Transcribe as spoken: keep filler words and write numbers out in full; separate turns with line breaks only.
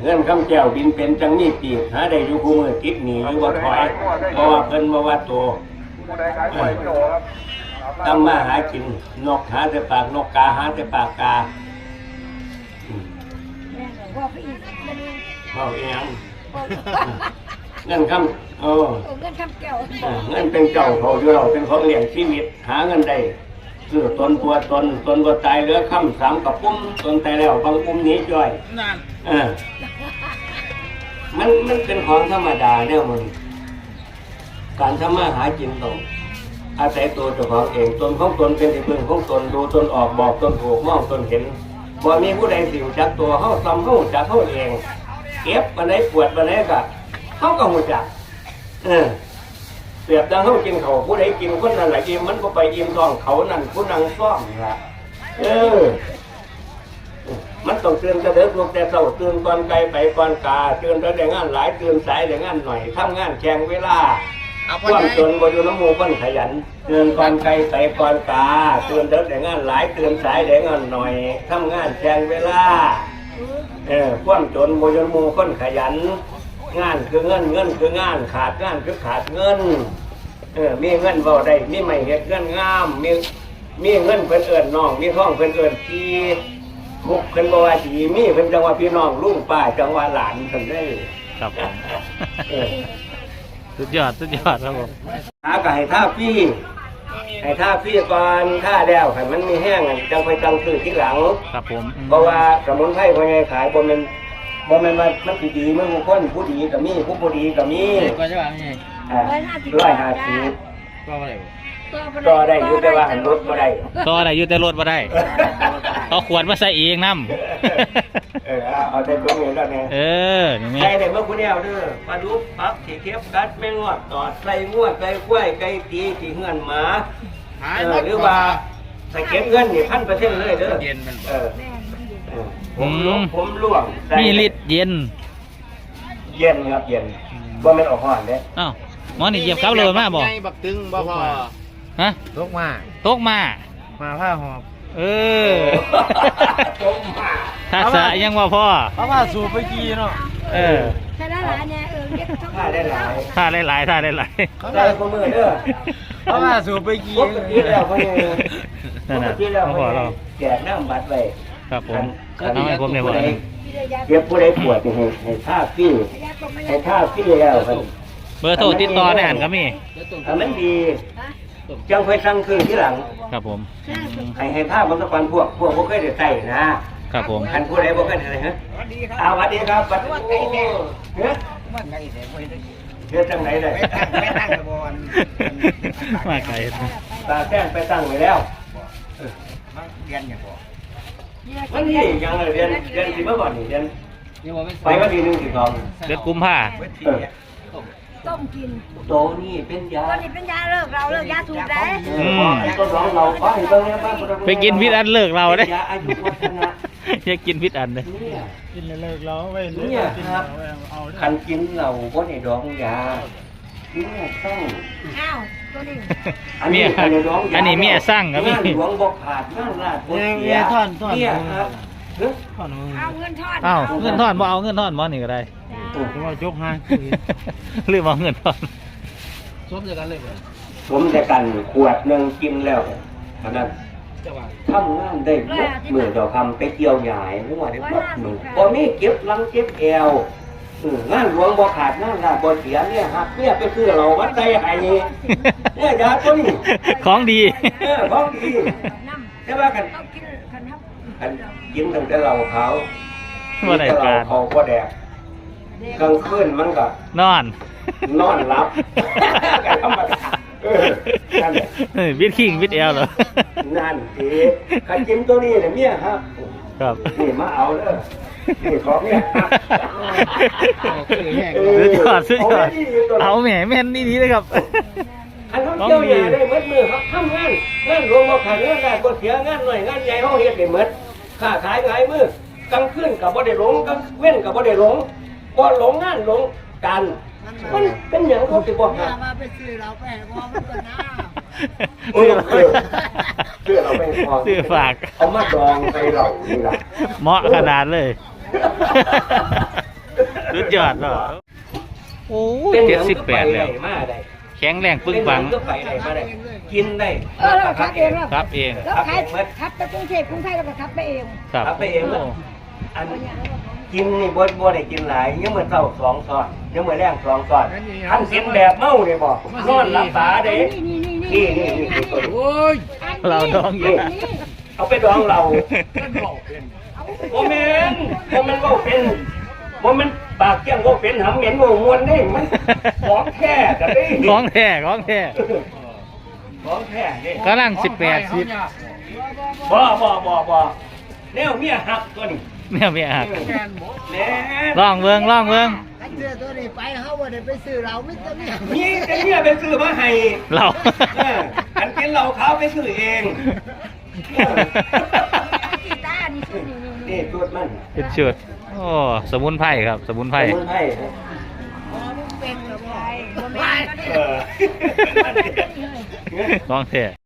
เงินคำแก้วดินเป็นจังนี่ปีกหาได้อยู่คู่มือติดหนีอยู่บ่ถอยเพราะว่าเพิ่นบ่ว่าโตทำมาหากินนกหาแต่ปากนกกาหาแต่ปากกาเอาเองเงินคำเออ
เงินคำแก้ว
เงินเป็นเจ้าเขาอยู่เราเป็นของเลี้ยงชีวิตหาเงินได้ซื้อตนตัวตนตนก็ตายเหลือคำสามกับปุ้มตนตายแล้วบางปุ้มนี้จ่อยเออมันมันเป็นของธรรมดาเนี่ยมันการทำมาหากินต้องอาศัยตัวเจ้าของเองตนของตนเป็นที่พึ่งของตนดูตนออกบอกตนถูกมองตนเห็นบ่มีผู้ใดสิวจักตัวเขาซ้ำเขาจักเขาเองเก็บมาไหนปวดมาไหนก็เขาก็หูจักเออเปรียบดังเขากินเขาผู้ใดกินคนนั้นแหละอิ่มมันก็ไปอิ่มท้องเขานั่นผู้นั่งซ่อมละเออมันต้องเตือนกระเดิกลูกแต่เศร้าเตือนก่อนไกลไปก่อนกาเตือนแต่งานหลายเตือนสายแต่งานหน่อยทำงานแข่งเวลาความจนบ่อยู่น้ำมูบ้านขยันเตือนก่อนไกลไปก่อนกาเตือนแต่งานหลายเตือนสายแต่งานหน่อยทำงานแข่งเวลาเออความจนบ่อยู่น้ำมูคนขยันงานคือเงินเงินคืองานขาดงานคือขาดเงินเออมีเงินเบาได้มีไม่เห็ดเงินงามมีมีเงินเพิ่นเอิญน้องมีท้องเพิ่นเอิญพี่มุกเพิ่นบอกว่าดีมีเพิ่นจังว่าพี่น้องลุงป้าจังว่าหลานเพิ่นได้
ครับผมสุดยอดสุดยอดครับผม
หาไก่ท่าพี่ให้ท่าพี่ก่อนท่าแล้วให้มันมีแห้งจังไปจังซื้อที่หลัง
ครับผม
เพราะว่าสมุนไพรพอไงขายบ่แม่นบ่แม่นว่ามันสิดีเมื่อคนผู้ดีก็มีผู้บ่ดีก็มี
ก็จะว่าไง
อ่าร้อยห้าสิบ
ก็อะไร
ต่อได้อยู่แต่ว่าหันรถบ่ได้
ต่อได้อยู่แต่รถบ่ได้เอาขวดมาใส่เองน้
ำเออเอาได้ตัวเงินแล้วเนี่ย
เออ
ใส่ได้เมื่อคุณเดียวเด้อปลาดุกปั๊บขี่เข็บกัดแมงงอดตอดใส่งวดใส่กล้วยไก่ตีที่เงื่อนหมาเออหรือว่าใส่เก็บเงินนี่พันเปอร์เซ็นต์เลยเด้อเออผมลวงผมลวง
มีฤทธิ์เย็น
เย็นครับเย็นว่ามันออกห่อนเด้
อ้าวหมอนี่เหยียบเขาเลยมาบ่
บักตึงบ่พอ
ฮะ
ตกมา
ตกมา
มาผ้าหอบ
เออถ้าสะยังว่าพ่อ
เพราะว่าสูบไปกี่เนาะ
เออ
ถ้าได้หลายเนี่ยเออเรียก
ถ้าได้หลาย
ถ้าได้หลายถ้าได้หลาย
ได้พมือเด้อ
เพราะว่าสูบไปกี่
ปกติแล้วพมือปกติแล้วพอเราแจกน้ำบัตรไป
ครับผมเอาให้ผมเนี่ยบ่
เก็บผู้ใดปวดให้ให้ท่าฟี่ให้ท่าฟี่แล้วครับ
เบอร์โทรติดต่อได้อ่านก็มี
อันนั้นดีจังไปสั่งคืนที่หลัง
ครับผม
ให้ให้ท่าบางสักวันพวกพวกพวกเคยได้ใส่นะครับ
ผม
อันผู้ใดพวกเคยได้ฮะสวัสดีครับสวัสดีครับเฮ้ยเฮ้ยจังไหนเลย
ไม่ตั้งบอล
มาไกล
ตาแจ้งไปตั้งไว้แล้ว
เรียนอย่างบ่
วันนี้ยังเรียนเรียนที่เมื่อก่อนนี่เรียนไปวันที่หนึ่งที่สอง
เดือนกุมภา
ต้มกิน
โตนี่เป็นยา
ตอนนี้เป็นยาเลิกเราเลิกยาสูบได้
ก็สองเราบ้านตรงนี้บ้าน
ไปกินพิษอันเลิกเราได้
ยาอายุวัฒนะ
อยากกินพิษอันเลย
กินเลิกเราไว้
เนี่ยครับคันกินเราก็ในดองยาเนี่ยต้อง
อ้าวตัวนี้
อันนี้อันนี้เมียสั่งครับพี่
หลวงบอกขาดนั่นลาด
เมียท่อนท่อน
เนี่ยครับ
เอาเงินทอน
อ้าวเงินทอนบ่เอาเงินทอนบ่นี่ก็ได้
ผมว่ายกให้
หรือเอาเงินทอน
สมจะกันเลย
ผมจะกันขวดหนึ่งกินแล้วขนาดทำงานได้เมื่อเจ้าคำไปเกี่ยวใหญ่หรือว่าได้ปุ๊บหนึ่งพอมีเก็บลังเก็บแอวงานหลวงบ่ขาดงานลาบ่เสียเนี่ยหักเนี่ยไปซื้อเราวัดใจไห้เนี่ยยาตัวนี้
ของดี
ของดีใช่ไหมกันกันกินตั้งแต่เราเขา
ว่าไหนการ
เขาก็แดกกลางคืนมันก็
นอน
นอนหลับกันธรรมดา
วิดคิงวิดแอลเหรอ
นั่นสิใครกินตัวนี้เนี่ยเมียครับ
ครับ
นี่มาเอาเลยนี่ของเนี่ย
สุดยอดสุดยอดเอาแหมแม่นนี่ดีเลยครับ
อันเขาเกี่ยวใหญ่ได้เมื่อมือครับทำงานงานรวมมาขายงานได้ก็เสียงานหน่อยงานใหญ่เขาเฮ็ดได้เมื่อค้าขายไงมือกลางคืนกับบ่ได้หลงกลางเว้นกับบ่ได้หลงบ่หลงงานหลงกันมันเป็นอย่างเขาสิบอกนะ
มาไปซื้อเราไปพอมันก็น่า
เออเออเสื้อเราไปพอ
ซื้อฝาก
เอามาดองไปเรานี่ล่ะ
เหมาะขนาดเลยยอดเนาะโอ้ย
เป็นห
เจ็
ยั
ด
ง
สิบ
ก็
แป
ไป
ด
ได้
แล้ว
มาได้
แข็งแรงปึ้งปัง
เป็นหยัก็ไปได้มาได้กินได้
เออเราขับเองเรา
ครับเอง
เราขับขับไปกรุงเทพกรุงไทยเราก็ขับไปเอง
ครับ
ขับไปเองแล้วอันกินนี่บ่บ่ได้กินหลายยังมื้อเช้าสองช้อนยังมื้อแรงสองช้อนท่านกินแบบเมาเลยบ่นอนหลับตาเด้
นี่นี่นี่
นี่นี่นี่ตัวนี้
โอ้ย
เราดองอยู่
เอาไปดองเรา
มันบอกเป็น
โมเมนโมเมนว่าเป็นโมเมนปากเกี้ยงว่าเป็นหำเหม็นว่าม้วนนี่มันของแท้กันดิ
ของแท้ของแท้
ของแท้นี่
กำลังสิบแปดสิบ
บ่บ่บ่บ่แนวเมียหักตัวนี้
เนี่ยไม่หัก
แกนบอก
แน่
ลองเบิ่งลองเบิ่ง
อันเสื้อตัวนี้ไปเขาว่าได้ไปซื้อเราไม่ต้องเนี่ย
นี่แต่เมียไปซื้อมาให้
เรา
เอออันกินเหล้าขาวไปซื้อเอง
กีตาร์นี่ชื่อนี่นี่
นี่ตัวมัน
เป็นชุดโอ้สมุนไพรครับสมุนไพร
สมุนไพร
เป็นแบบว่า
เออ
ของแท้